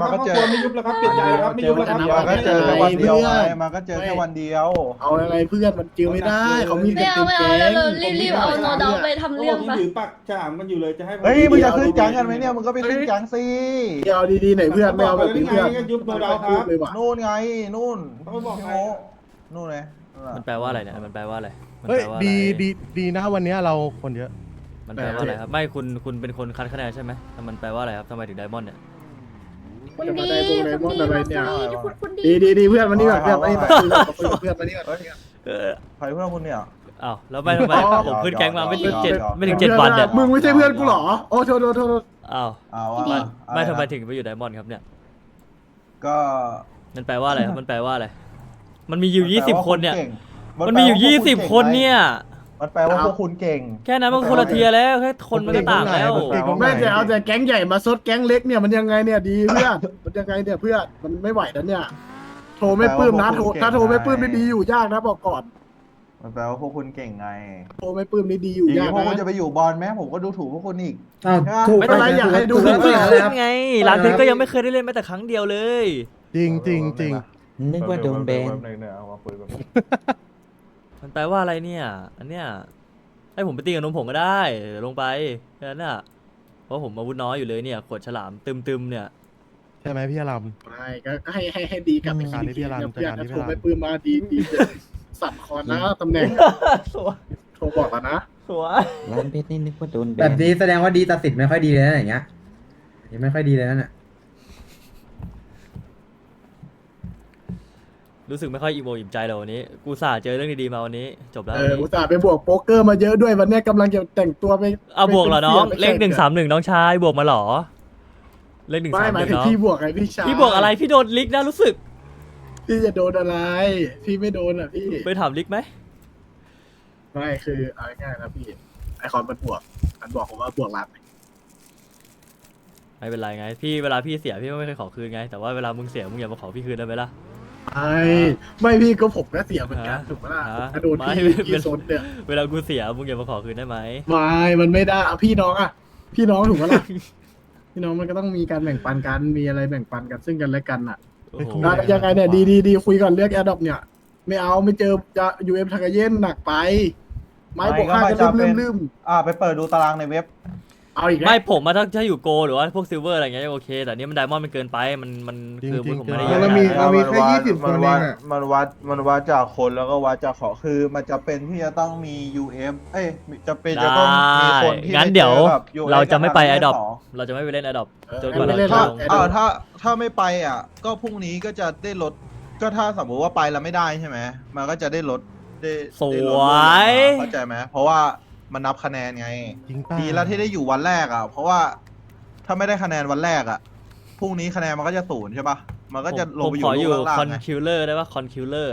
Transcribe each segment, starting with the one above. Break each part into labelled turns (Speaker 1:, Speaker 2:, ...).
Speaker 1: ครับ
Speaker 2: ก็
Speaker 1: ครอบ
Speaker 2: เจ
Speaker 1: ค
Speaker 2: อ
Speaker 1: รัวไม่ยุบแล้วครับเปลี่ยนใจแล้วครับไม่ยุบแล้วครับ
Speaker 2: มันก็เจอแค่วันเดียวไงมันก็เจอแค่วันเดียว
Speaker 3: เอาอะไรเพื่อนมันจื้อไม่ได้เขามี
Speaker 4: ไม่
Speaker 3: กัน
Speaker 4: เอา
Speaker 3: เป็น
Speaker 4: ไม่
Speaker 3: แก๊
Speaker 4: เอา
Speaker 3: ง
Speaker 4: เรารีบๆเอาโนดอกไปทำ
Speaker 1: เขา
Speaker 4: เรื่
Speaker 1: บ
Speaker 4: อ
Speaker 1: อง กยัง
Speaker 4: ปะ
Speaker 1: ถือปากฉลามกันอยู่เลยจะให้ผม
Speaker 2: เฮ้ยมึงจะขึ้นจังกันไหมเนี่ยมึงก็ไปขึ้นจังสิ
Speaker 3: เอาดีๆหน่อยเพื่อนไม่เอาแบบนี้เพื่อน
Speaker 1: ก็ยุบโนดอกครับ
Speaker 3: เลยว่ะ
Speaker 2: นู่นไงนู่น
Speaker 1: เขาไม่บอก
Speaker 2: พี่
Speaker 1: ใคร
Speaker 2: โง่นู่นไง
Speaker 5: มันแปลว่าอะไรเนี่ยมันแปลว่าอะไรมัน
Speaker 6: เฮ้ย
Speaker 5: แปลว่าอะไร
Speaker 6: ดีนะวันนี้เราคนเยอะ
Speaker 5: มันแปลว่าอะไรครับไม่คุณเป็นคนคัดคะแนนใช่ไหมแต่มันแปลว่าอะไรครับทำไมถึงไดมอนด์เนี่ย
Speaker 4: คุณดีคุณดี
Speaker 3: ดีเพื่อนมานี่ก่อนเพื่อนมานี่ก่อนเพื่อนมานี่ก่อน
Speaker 2: ใครเพื่อนคุณเนี่ย
Speaker 5: อ้าวแล้วไม่ทำไม
Speaker 2: อ๋อ
Speaker 5: ผมขึ้นแก๊งมาไม่ถึง
Speaker 2: หยอก
Speaker 5: เจ็ด
Speaker 2: หยอก
Speaker 5: ไม่ถึง7 วันเนี่ย
Speaker 3: มึงไม่ใช่เพื่อนกูหรอโอ้โทษ
Speaker 5: อ้าว
Speaker 2: เอา
Speaker 5: ไม่
Speaker 2: อะ
Speaker 5: ไม่ทำไม
Speaker 2: อะรนะ
Speaker 5: ถึงไปอยู่ไดมอนด์ครับเนี่ย
Speaker 2: ก็
Speaker 5: มันแปลว่าอะไรครับมันแปลว่าอะไรมันมีอยู่20 คนเนี่ย
Speaker 2: มั
Speaker 5: มันมีอยู่20 คนเนี่ย
Speaker 2: มันแปลว่าพวกคุณเก่ง
Speaker 5: แค่นั้นมันคนละเทียร์แล้วแค่คนมันก็ต่างแล้ว
Speaker 3: ไม่แต่เอาแต่แก๊งใหญ่มาซดแก๊งเล็กเนี่ยมันยังไงเนี่ยดีเพื่อนมันยังไงเนี่ยเพื่อนมันไม่ไหวแล้วเนี่ยโทรไม่ปลื้มนะถ้าโทรไม่ปลื้มนี่ดีอยู่ยากนะบอกก่อน
Speaker 2: มันแปลว่าพวกคุณเก่งไง
Speaker 3: โทรไม่ปลื้มนี่ดีอยู่
Speaker 2: อีก
Speaker 3: ยาก
Speaker 2: พวก
Speaker 3: นะ
Speaker 2: คุณจะไปอยู่บอลไหมผมก็ดูถูกพวกคุณอีก
Speaker 7: อ้าวถูก
Speaker 3: ไม่เป็นไรอยากให้ดู
Speaker 5: เพิ่ง
Speaker 3: เพื่อน
Speaker 5: ขึ้นไงร้านเพชรก็ยังไม่เคยได้เล่นแม้แต่ครั้งเดียวเลย
Speaker 6: จริง
Speaker 7: นึกว่าโดนแบน
Speaker 2: เอามาคุยกัน
Speaker 5: มันแปลว่าอะไรเนี่ย อันเนี้ยให้ผมไปตีกับนมผงก็ได้เดี๋ยวลงไปแค่นั้นน่ะเพราะผมอาวุธน้อยอยู่เลยเนี่ยขวดฉลามตึมๆเนี่ย
Speaker 6: ใช่ไหมพี่อาราม
Speaker 3: ไม่ก็ให้ดีกับไอ้
Speaker 6: การที่พี่อลัน
Speaker 3: เพื่อน
Speaker 6: การที่
Speaker 3: ถ้า
Speaker 6: พี่
Speaker 3: โทร
Speaker 6: อลัน
Speaker 3: ไม่ปลื้มมาดีสั่นคอนนะตำแหน่ง
Speaker 5: สวย
Speaker 3: โทรบอกแล้วนะ
Speaker 5: สวย
Speaker 7: ร้านเพชรนี่นึกว่าโดนแบ
Speaker 8: แบบ
Speaker 7: น
Speaker 8: นี้แสดงว่าดีตัดสินไม่ค่อยดีเลยนะอย่างเงี้ยยังไม่ค่อยดีเลยนะเนี่ย
Speaker 5: รู้สึกไม่ค่อยอิ่มอกอิ่มใจเลยวันนี้กูสาเจอเรื่องดีๆมาวันนี้จบแล้ว
Speaker 3: อุตส่าห์ไปบวกโป๊กเกอร์มาเยอะด้วยวันเนี้ยกำลังจะแต่งตัวไป
Speaker 5: เอาบวกเหรอน้อง
Speaker 3: ไป
Speaker 5: เลข131น้องชายบวกมาเหรอเลข131
Speaker 3: ไม่หมายถึง
Speaker 5: น้อง
Speaker 3: พี่บวกไงพี่ชาย
Speaker 5: พี่บวกอะไรพี่โดนลิกนะรู้สึก
Speaker 3: พี่จะโดนอะไร พี่ไม่โดนอ่ะพี่
Speaker 5: ไปถามลิกไหม
Speaker 3: ไม่คือเอาง่ายๆนะพี่ไอคอนมันบวกมันบอกผมว่าบวกรับ
Speaker 5: ไม่เป็นไรไงพี่เวลาพี่เสียพี่ก็ไม่เคยขอคืนไงแต่ว่าเวลามึงเสียมึงอย่ามาขอพี่คืนได้ไหมล่ะ
Speaker 3: ไม่พี่ก็ผมก็เสียเหมือนกันถูกไหมล่ะ
Speaker 5: ฮะ
Speaker 3: กระโดด
Speaker 5: ไม่
Speaker 3: พี่โซนเนี่ย
Speaker 5: เวลากูเสียมึงอย่ามาขอคืนได้ไหม
Speaker 3: มันไม่ได้อะพี่น้องอะพี่น้องถูกไหมล่ะ พี่น้องมันก็ต้องมีการแบ่งปันกันมีอะไรแบ่งปันกันซึ่งกันและกันอ่ะ
Speaker 5: โอ้โห
Speaker 3: ยังไงเนี่ยดีคุยก่อนเลือกแอดดอปเนี่ย ไม่เอาไม่เจอจะยูเอ็มทากาเย็นหนักไป ไม้บวกค่าจะลืม
Speaker 2: ไปเปิดดูตารางในเว็บ
Speaker 3: เอาอีกแล้ว
Speaker 5: ไม่ผมมาถ้าอยู่โกหรือว่าพวกซิลเวอร์อะไรเงี้ยโอเคแต่นี่มันไดมอนด์มันเกินไปมันคือผมไม่ได้
Speaker 6: จริงๆ
Speaker 2: เรามี
Speaker 8: แค่20 คนเองอะ
Speaker 2: มันวัดจากคนแล้วก็วัดจากของคือมันจะเป็นที่จะต้องมี UF จะเป็นจะต้องมีคนที่
Speaker 5: งั้นเดี๋ยว
Speaker 2: ไปจอกับ UF
Speaker 5: เราจะไม่ไปแอดดอป
Speaker 2: สง
Speaker 5: เราจะไม่ไปเล่นแอดดอปจนกว่า
Speaker 3: ไม่
Speaker 5: เรา
Speaker 3: เล่น
Speaker 5: จะ
Speaker 3: หร
Speaker 5: ล
Speaker 3: อก
Speaker 5: ง
Speaker 2: ถ้าไม่ไปอ่ะ ก็พรุ่งนี้ก็จะได้ลดก็ถ้าสมมติว่าไปแล้วไม่ได้ใช่ไหมมันก็จะได้ลดได้
Speaker 5: ส
Speaker 2: ได้ล
Speaker 5: ว
Speaker 2: ด
Speaker 5: ย
Speaker 2: เข้าใจไหมเพราะว่ามันนับคะแนนไง
Speaker 6: จริงป่ะ
Speaker 2: ดีแล้วที่ได้อยู่วันแรกอ่ะ เพราะว่าถ้าไม่ได้คะแนนวันแรกอ่ะพรุ่งนี้คะแนนมันก็จะศูนย์ใช่ปะมันก็จะลง
Speaker 5: ผม
Speaker 2: ไปอ
Speaker 5: ขอยู่ อยู่
Speaker 2: ลูกล่าง
Speaker 5: คอน
Speaker 2: ๆไง
Speaker 5: คิวเลอร์ได้ปะคอนคิวเลอร์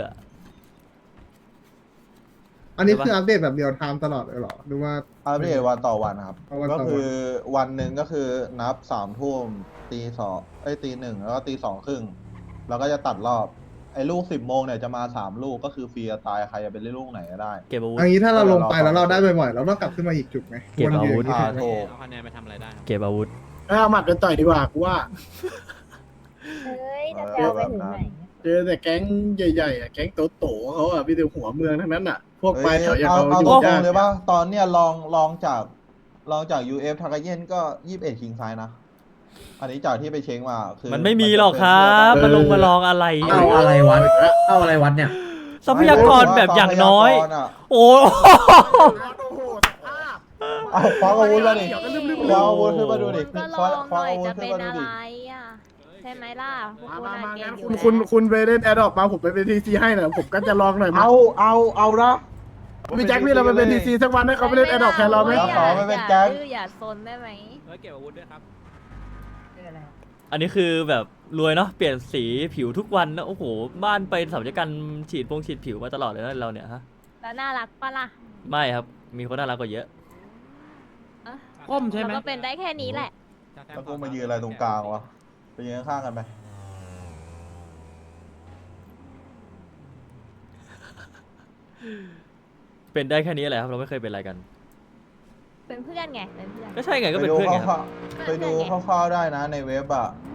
Speaker 8: อันนี้คืออัปเดตแบบเรียลไทม์ตลอดเลยเหรอหรือว่า
Speaker 2: อัปเดตวันต่อวันครับ
Speaker 8: เอาวันต่
Speaker 2: ก็
Speaker 8: อวัน
Speaker 2: คือวันหนึ่งก็คือนับ3 ทุ่มตี 1แล้วก็ตี 2 ครึ่งแล้วก็จะตัดรอบไอ้ลูก10 โมงเนี่ยจะมา3 ลูกก็คือฟรีตายใครจะเป็นเล่นลูกไหนก็ได้
Speaker 5: เก็บอาวุธ
Speaker 8: อันนี้ถ้าเราลงไปแล้วเราได้บ่อยๆเราต้องกลับขึ้นมาอีกจุดไหม
Speaker 5: เก็บอาวุธ
Speaker 8: วนอยู่
Speaker 2: ถูก
Speaker 9: เอาคะแนนไปทำอะไรได้ครับ
Speaker 5: เก็บอาวุธ
Speaker 3: เอาหมัดกันต่อยดีกว่ากูว่า
Speaker 4: เฮ้ยจะเอาไปถึงไหน
Speaker 3: เจอแต่แก๊งใหญ่ๆอะแก๊งโตๆเขาอะพี่แต่หัวเมืองทั้งนั้นอะพวกปลายแถวอย่าง
Speaker 2: เอา
Speaker 3: เขาอยู่
Speaker 2: ตรง
Speaker 3: ยาก
Speaker 2: เลยป่ะตอนเนี้ยลองจาก UF ทากาเย็นก็21คิงไซนะ อันนี้จากที่ไปเช็คมาคือ
Speaker 5: มันไม่มีหรอกครับมันลงมาลองอะไร
Speaker 8: เอาอะไรวัดเอาอะไรวัดเนี่ย
Speaker 5: ทรัพยากรแบบอย่างน้อย โอ้
Speaker 2: เอาคว้าอาวุธมาดิ
Speaker 3: เดี๋ยวก็ลืม
Speaker 2: คว้าอาวุธขึ้นมาดูดิ
Speaker 4: ก็ล
Speaker 2: คว้า
Speaker 4: อง
Speaker 2: ค
Speaker 4: ห
Speaker 2: ว้า
Speaker 4: น่อย
Speaker 2: อาวุธ
Speaker 4: จะ
Speaker 2: ขึ้
Speaker 4: เป็น น
Speaker 2: มาดู
Speaker 4: อะไร
Speaker 2: ดิ
Speaker 4: อ่ะใช่ไหมล่ะพวก
Speaker 3: มา
Speaker 4: คุณอะ
Speaker 3: ๆ
Speaker 4: เก่ง
Speaker 3: งั้น
Speaker 4: อยู่
Speaker 3: คุณไปเล่นแอดดอกมาผมไปเป็นทีซีให้หน่อยผมก็จะลองหน่อยมา
Speaker 2: เอาละ
Speaker 3: พี่แจ็คพี่เราไปเป็นทีซีสักวันให้เขาไปเล่นแอดดอกแทนเราไหม
Speaker 2: แล้วขอไปเป็นแก๊ง
Speaker 4: อย่าซนได้ไหม
Speaker 9: เฮ้ยเก็บอาวุธด้วยครับ
Speaker 5: อันนี้คือแบบรวยเนาะเปลี่ยนสีผิวทุกวันนะโอ้โหบ้านไปศัลยกรรมฉีดผิวมาตลอดเลยนะเราเนี่ยฮะ
Speaker 4: แล้วน่ารักปะล่ะ
Speaker 5: ไม่ครับมีคนน่ารักกว่าเยอะ
Speaker 9: ก้มใช่ไหม
Speaker 4: เราก็เป็นได้แค่นี้แหละ
Speaker 2: แล้วกูมายืนอะไรตรงกลางวะไปยืนข้างๆกันไป
Speaker 5: เป็นได้แค่นี้แหละครับเราไม่เคยเป็นอะไรกัน
Speaker 4: เป็นเพื่อนไงเป็นเพื่อน
Speaker 5: ก็ใช่ไงก็เป็นเพื่อนไงครับ
Speaker 2: ไปดูคร่าวๆได้นะในเว็บอ่ะ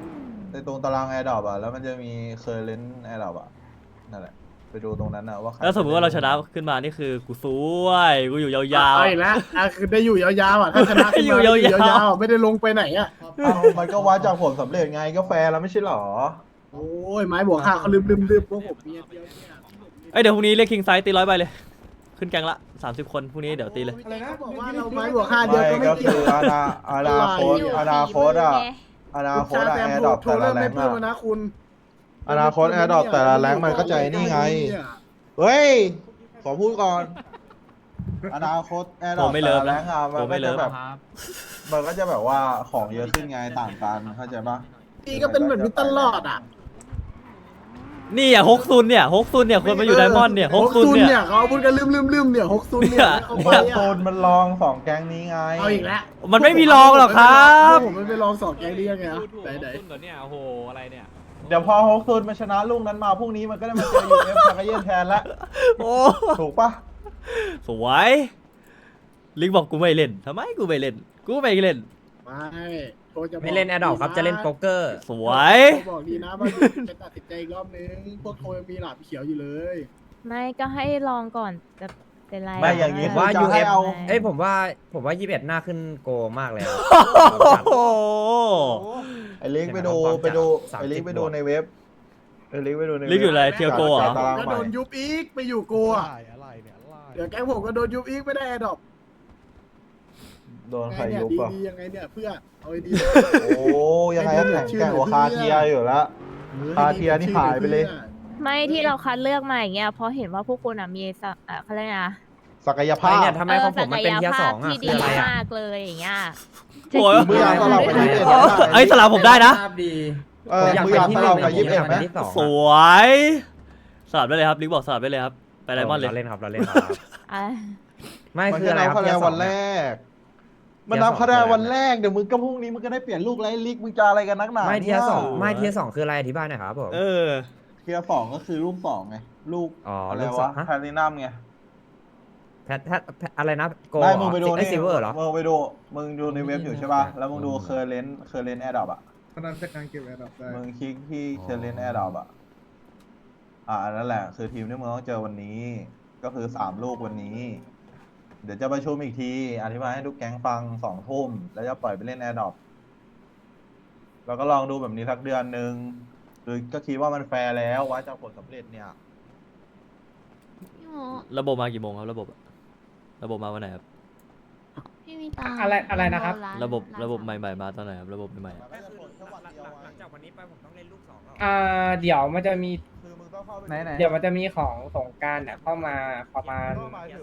Speaker 2: ในตรงตารางแอร์ดรอปอ่ะแล้วมันจะมีเคอร์เรนต์แอร์ดรอปอ่ะนั่นแหละไปดูตรงนั้นนะว่าใคร
Speaker 5: แล้วสมมติว่าเราชนะขึ้นมานี่คือกูซวยกูอยู่ยาวๆ
Speaker 3: เอาอีกแล้วคือได้อยู่ยาวๆอ่ะถ้าชนะขึ้นมา
Speaker 5: อยู่ยาวๆ
Speaker 3: ยาวๆไม่ได้ลงไปไหนอ่ะ
Speaker 2: เอ้ามันก็วัดจากผลสำเร็จไงก็แฟร์แล้วไม่ใช่หรอ
Speaker 3: โอ้ยไม้บวก5เขาลืมพวกผมเมียเดียวเนี่ย
Speaker 5: เอ้ยเดี๋ยวพรุ่งนี้เรียกคิงไซส์ตี100ใบเลย ขึ้นแกงละ30 คนพรุ่งนี้เดี๋ยวตีเลย
Speaker 1: อะไรนะ
Speaker 3: บอกว่าเราไม้บวก5เดียว
Speaker 2: ไม่
Speaker 3: ก็ไม่
Speaker 2: ก็
Speaker 3: เกี่ย
Speaker 2: คื
Speaker 3: ว
Speaker 2: ออนาคตอนาคตอ่ะอนาคต
Speaker 3: แซ
Speaker 2: แอ
Speaker 3: ม
Speaker 2: ร์
Speaker 3: โท
Speaker 2: ด
Speaker 3: ร
Speaker 2: รอป
Speaker 3: โทร
Speaker 2: แต่ละ
Speaker 3: เริ่ม
Speaker 2: แร
Speaker 3: ไม่
Speaker 2: ง
Speaker 3: ปลื้ม
Speaker 2: อ่ะ
Speaker 3: แล้วนะคุณ
Speaker 2: อนาคตแอร์ดรอปแต่ละแรงมันก็ใจนี่ไง เฮ้ย ขอพูดก่อน อนาคตแอร์ดรอป
Speaker 5: ผมไม่
Speaker 2: แต่
Speaker 5: เลิฟ
Speaker 2: ละแรงอ่ะ
Speaker 5: ผ
Speaker 2: มัน
Speaker 5: ม
Speaker 2: ก็
Speaker 5: ไม่เลิ
Speaker 2: จะ
Speaker 5: ฟ
Speaker 2: แบบมันก็จะแบบว่าของเยอะขึ้นไงต่างกันเข้าใจปะ
Speaker 3: นี่ก็เป็นแบบนี้ตลอดอ่ะ
Speaker 5: นี่อ่ะฮกซุนเนี่ยฮกซุนเนี่ยควรมาอยู่ไดมอนด์เนี่ยฮกซุน
Speaker 3: เนี่ย
Speaker 5: เนี่ย
Speaker 3: เขาพูดกันลืมเนี่ย6ซุนเนี่ยเขา
Speaker 2: โอ้
Speaker 3: ไป
Speaker 2: โซนมันลองสองแก๊งนี้ไง
Speaker 3: เอาอีกแล้ว
Speaker 5: มันไม่มีรองหรอกครับ
Speaker 3: ผมไม่ไปลอง2แกงนี้ยังไงอ่ะ
Speaker 9: พูดถูก
Speaker 3: ไหน
Speaker 9: ต้นก่อนเนี่ยโอ้โหอะไรเนี่ย
Speaker 2: เดี๋ยวพอฮกซูนมาชนะลูกนั้นมาพรุ่งนี้มันก็ได้มาเจอยูเอฟทากาเย็นแทนละ
Speaker 5: โอ้
Speaker 2: ถูกปะ
Speaker 5: สวยลิงบอกกูไม่เล่นทำไมกูไม่เล่นกูไม่เล่น
Speaker 3: ๆไม่โทรจะบอก
Speaker 7: ไม่เล่นแอดดอครับจะเล่นโป๊กเกอร์
Speaker 5: สวย
Speaker 3: โทรบอกดีนะว่าจะตัดสินใจอีกรอบนึงพวกโทรยังมีหลาบเขียวอยู่เลย
Speaker 4: ไม่ก็ให้ลองก่อนจะเป็นไร
Speaker 2: ไม่อย่างนี้
Speaker 4: นี้
Speaker 7: ว่า
Speaker 2: จะ
Speaker 7: UF
Speaker 2: ให้เอา
Speaker 7: เอ้ยผมว่า21หน้าขึ้นโกมากเลยครับ
Speaker 5: โอ้โห
Speaker 2: ไอ้ลิงก์ไปดู
Speaker 7: เห็นไหม
Speaker 2: ไปดู
Speaker 7: ความ
Speaker 2: ไอ้ลิงก์
Speaker 7: 30
Speaker 2: ไปดูในเว็บไอ้ลิงก์ไปดูในเว็บ
Speaker 5: ลิงก์อยู่อะไรเทียโกเหรอ
Speaker 2: ตาราง
Speaker 3: ก็
Speaker 2: ใหม่
Speaker 3: โดนยุบอีกไปอยู่โกอ่ะ
Speaker 6: อะไรเนี่ยอะไร
Speaker 3: เดี๋ยวแก๊งผมก็โดนยุบอีกไม่ได้แอดดอป
Speaker 2: โดนใคร
Speaker 3: เนี่ย
Speaker 2: ยุบอ่ะ
Speaker 3: ดีๆยังไงเนี่ยเพื่อเอาดี
Speaker 2: โอ้ยังไงก็แข่งแข่งกว่าคาเทียอยู่แล้ว
Speaker 3: ๆ
Speaker 2: คาเทียนี่หายไปเลย
Speaker 4: ไม่ที่เราคัดเลือกมาอย่างเงี้ยเพราะเห็นว่าพวกคุณอ่ะมีเขาเรียกไงนะ
Speaker 2: ศักยภา
Speaker 7: ไอ
Speaker 2: พ
Speaker 7: เนี่ยทำไมของผมมันเป็นเทียร์
Speaker 4: ศั
Speaker 7: ส
Speaker 4: ก
Speaker 7: อง
Speaker 4: ยภาพ
Speaker 7: อ่ะ
Speaker 4: ที่
Speaker 7: คื
Speaker 4: ดี
Speaker 7: ออะไรอ่ะ
Speaker 4: มากเลยอย่างเงี้ย
Speaker 5: โอ้ย
Speaker 2: มือยาวสลับกับ21นะ
Speaker 5: เอ้ยสลับผมได้นะ
Speaker 7: ดี
Speaker 2: เออมือยาวสลับกับ21ไหม
Speaker 7: ที่สอง
Speaker 5: สวยสลับได้เลยครับลิงบอกสลับได้เลยครับไปไดมอนด์เลย
Speaker 7: เราเล่นครับเราเล่นครับ
Speaker 4: อ่ะ
Speaker 7: ไม่
Speaker 2: มัน
Speaker 7: คือ
Speaker 2: จะ
Speaker 7: อะไร
Speaker 2: นับ
Speaker 7: ครับ
Speaker 2: คะแนนวันแรก มันนับคะแนนวัน
Speaker 7: ก
Speaker 2: แรกเดี๋ยวมึงก็พรุ่งนี้มึงก็ได้เปลี่ยนลูกแล้วไอ้ลิกมึงจะอะไรกันนักหนา
Speaker 7: ไม่เทียร์สอง
Speaker 2: นี่
Speaker 7: ไม่เทียร์สองคืออะไรอธิบายหน่อยครับผม
Speaker 5: เออ
Speaker 2: เทียร์สองก็คือลูกสองไงลูก
Speaker 7: อ๋อ
Speaker 2: อะไร
Speaker 7: ลูกสอ
Speaker 2: วะ
Speaker 7: งฮะ
Speaker 2: แพลตินัมไง
Speaker 7: แพทอะไรนะโก
Speaker 2: ไม่มึงไปดู
Speaker 7: ไอ
Speaker 2: นี่
Speaker 7: ซิลเวอร์เหรอ
Speaker 2: มึงไปดูมึงดูในเว็บอยู่ใช่ป่ะแล้วมึงดูเคอร์เรนต์แอร์ดรอปอ่ะ
Speaker 3: พนันจากการเก็บแอดดอปได้
Speaker 2: มึงคลิกที่เคอร์เรนต์แอร์ดรอปอ่ะนั่นแหละคือทีมที่มึงต้องเจอวันนี้ก็คือ3ลูกวันนี้ เดี๋ยวจะประชุมอีกทีอธิบายให้ทุกแก๊งฟัง2 ทุ่มแล้วจะปล่อยไปเล่นแอร์ดรอปแล้วก็ลองดูแบบนี้สักเดือนหนึ่งหรือก็คิดว่ามันแฟร์แล้ววัดจากผลสำเร็จเนี่ย
Speaker 4: พี่โม
Speaker 5: ระบบมากี่โมงครับระบบมาวันไหนครับ
Speaker 4: พี่มีตา
Speaker 9: อะไรนะครับ
Speaker 5: ระบบใหม่ๆมาตอนไหนครับระบบใหม่ๆอะ
Speaker 7: หลังจากวันนี้ไปผมต้องเล่นลูกสอง
Speaker 9: เดี๋ยวมันจะมี
Speaker 2: คือมึงต้องเข้าไป
Speaker 9: เดี๋ยวมันจะมีของสงกรารเนี่ยเข้ามาประมาณ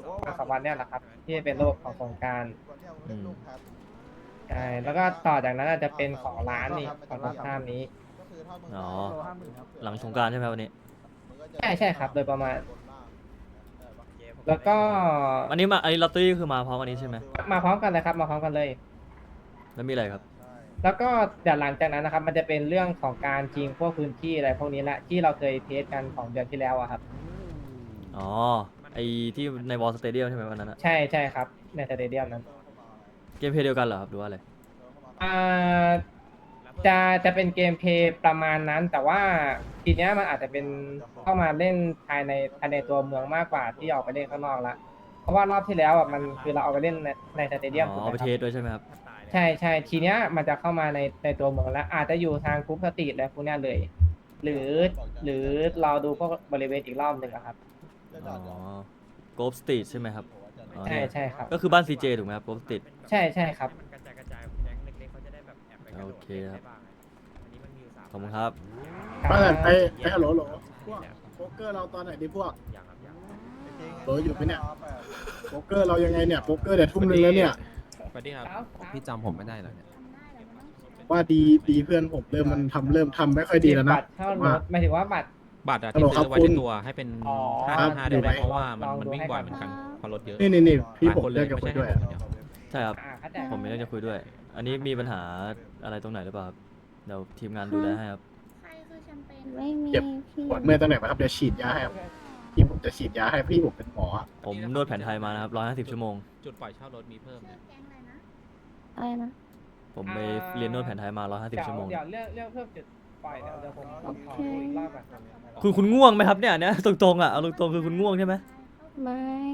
Speaker 9: 2 วันเนี่ยแหละครับ ที่เป็นระบบของสงกราร ใช่ แล้วก็ต่อจากนั้นอาจจะเป็นของร้านนี่ของตรงข้ามนี้
Speaker 5: อ๋อหลังสงกรารใช่ไหมวันนี้
Speaker 9: ใช่ครับโดยประมาณ แล้วก็
Speaker 5: อันนี้ลอตเตอรี่คือมาพร้อมวันนี้ใช่ไหม
Speaker 9: มาพร้อมกันเลยครับ มาพร้อมกันเลย
Speaker 5: แล้วมีอะไรครับ
Speaker 9: แล้วก็เดี๋ยวหลังจากนั้นนะครับ มันจะเป็นเรื่องของการชิงพวกพื้นที่อะไรพวกนี้แหละที่เราเคยเทสกันของเดือนที่แล้วอะครับ
Speaker 5: อ๋อไอที่ในวอลสเตเดียมใช่ไหมวันนั้นอะ
Speaker 9: ใช่ครับในสเตเดียมนั้น
Speaker 5: เกมเพลย์เดียวกันเหรอครับหรือว่าอะไร
Speaker 9: อ่าจะเป็นเกมเพลย์ประมาณนั้น แต่ว่าทีเนี้ยมันอาจจะเป็นเข้ามาเล่นภายในตัวเมืองมากกว่าที่ออกไปเล่นข้างนอกละเพราะว่ารอบที่แล้วอ่ะมันคือเราเอาไปเล่นในสเตเดียม
Speaker 5: อ๋
Speaker 9: ถูก
Speaker 5: อ
Speaker 9: ไหม
Speaker 5: ไป
Speaker 9: ค
Speaker 5: เท
Speaker 9: รั
Speaker 5: สด้วยใช่ไหมครับ
Speaker 9: ใช่ทีเนี้ยมันจะเข้ามาในตัวเมืองแล้ว อาจจะอยู่ทางกรุ๊ปสตรีทและพวกเนี้ยเลย หรือเราดูพวกบริเวณอีกรอบหนึ่งอะครับ
Speaker 5: อ๋อโกลฟสตรีทใช่ไหมครับอ๋อ
Speaker 9: ใช่
Speaker 5: เนี่ย
Speaker 9: ใช่ครับ
Speaker 5: ก็คือบ้านซีเจถูกไหมครับโกลฟสตรีท
Speaker 9: ใช่ครับ
Speaker 7: มันกระจายแก๊งเล็กๆเขาจะได้แบบแอบไปกระโดด
Speaker 5: โอเคครับ
Speaker 7: ได้บ้างอันนี้มันมีอยู่3
Speaker 5: ขอบคุณครับ
Speaker 3: ไปฮัลโหลพวกโป๊กเกอร์เราตอนไหนดีพวก
Speaker 7: อย่างครับอย่าง
Speaker 3: โหลอยู่ไหมเนี่ย โป๊กเกอร์เรายังไงเนี่ยโป๊กเกอร์เดี๋ยวทุ่มนึงแล้วเนี่ย
Speaker 9: สวัสดีครับ
Speaker 8: พี่จำผมไม่ได้เหรอเนี่ย
Speaker 3: ว่าดีเพื่อนผมเริ่มทำไม่ค่อยดีแล้วนะ
Speaker 9: บัตรเข้ารถหมายถึงว่าบัตร
Speaker 1: บัตรอะ
Speaker 3: ฮัลโหล
Speaker 1: ที่
Speaker 3: ครับ
Speaker 1: ซื้อไว้
Speaker 3: คุ
Speaker 1: ใน
Speaker 3: ณ
Speaker 1: ตัวให้เป็น
Speaker 9: อ๋อ
Speaker 1: 555ได้ไหม
Speaker 3: ครับ
Speaker 1: เพราะว่ามัน
Speaker 9: ลองดู
Speaker 1: มันวิ่ง
Speaker 9: ให้
Speaker 1: บ่อย
Speaker 9: ก่อน
Speaker 1: เหมือนกันเพราะรถเยอะ
Speaker 3: นี่พี่ผม
Speaker 1: หลายคนเล
Speaker 3: เลิ
Speaker 1: ย
Speaker 3: กกับ
Speaker 1: ไม่
Speaker 3: คุ
Speaker 1: ใช่
Speaker 3: ณด้วย
Speaker 1: ให้ผมคนเดียว
Speaker 5: ใช่ครับ
Speaker 9: เข้าใจ
Speaker 5: ผมมีเรื่องจะคุยด้วย อันนี้มีปัญหาอะไรตรงไหนหรือเปล่าครับเดี๋ยวทีมงานดูแลให้ครับ
Speaker 4: ไม่มี
Speaker 3: เจ็บ
Speaker 4: พี่
Speaker 3: ปวดเมื่อยตรงไหนไหมครับเดี๋ยวฉีดยาให้ครับพี่ผมจะฉีดยาให้พี่ผมเป็นหมออะ
Speaker 5: ผมนวดแผนไทยมานะครับ150 ชั่วโมง
Speaker 1: จุดปล่อยเช่ารถมีเพิ่มเนี่ย
Speaker 4: อะไรนะ
Speaker 5: ผมไปเรียนนวดแผนไทยมา150 ชั่วโมง
Speaker 9: เดี๋ยวเรื่องเพิ่มจุดปล่อยเดี๋ยวผมขอคุยอีกรอบก่อน
Speaker 5: คุณง่วงไหมครับเนี่ยตรงๆอ่ะเอาตรงๆคือคุณง่วงใช่ไหม
Speaker 4: ไม่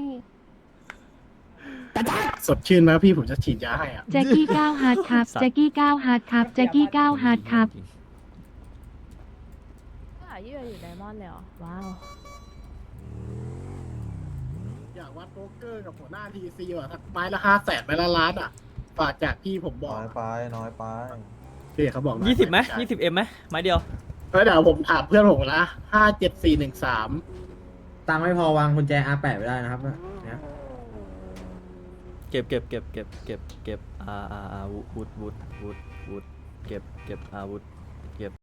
Speaker 3: สดชื่นไหมพี่ผมจะฉีดยาให้อ่ะ
Speaker 10: แจ็คกี้ก้าวฮาร์ดครับ แจ็คกี้ก้าวฮาร์ดครับ แจ็คกี้ก้าวฮาร์ดครับ
Speaker 4: ยี่อยู่ไดมอนด์เลยเหรอ ว้าว
Speaker 3: อยากวัดโป๊กเกอร์กับหัวหน้าทีซีว่ะสักไม้ละ500,000ไม้ละล้านอ่ะฝากจากที่ผมบอก
Speaker 2: น้อยไปน้อยไป
Speaker 3: พี่เขาบอกนะ
Speaker 5: 20ไหม20M ไหมไม้เดียว
Speaker 3: เดี๋ยวผมถามเพื่อนผมละ57413
Speaker 8: ตังค์ไม่พอวางกุญแจ R8 ไว้ได้นะครับเนี่ย
Speaker 5: เก็บวุธเก็บอาวุธ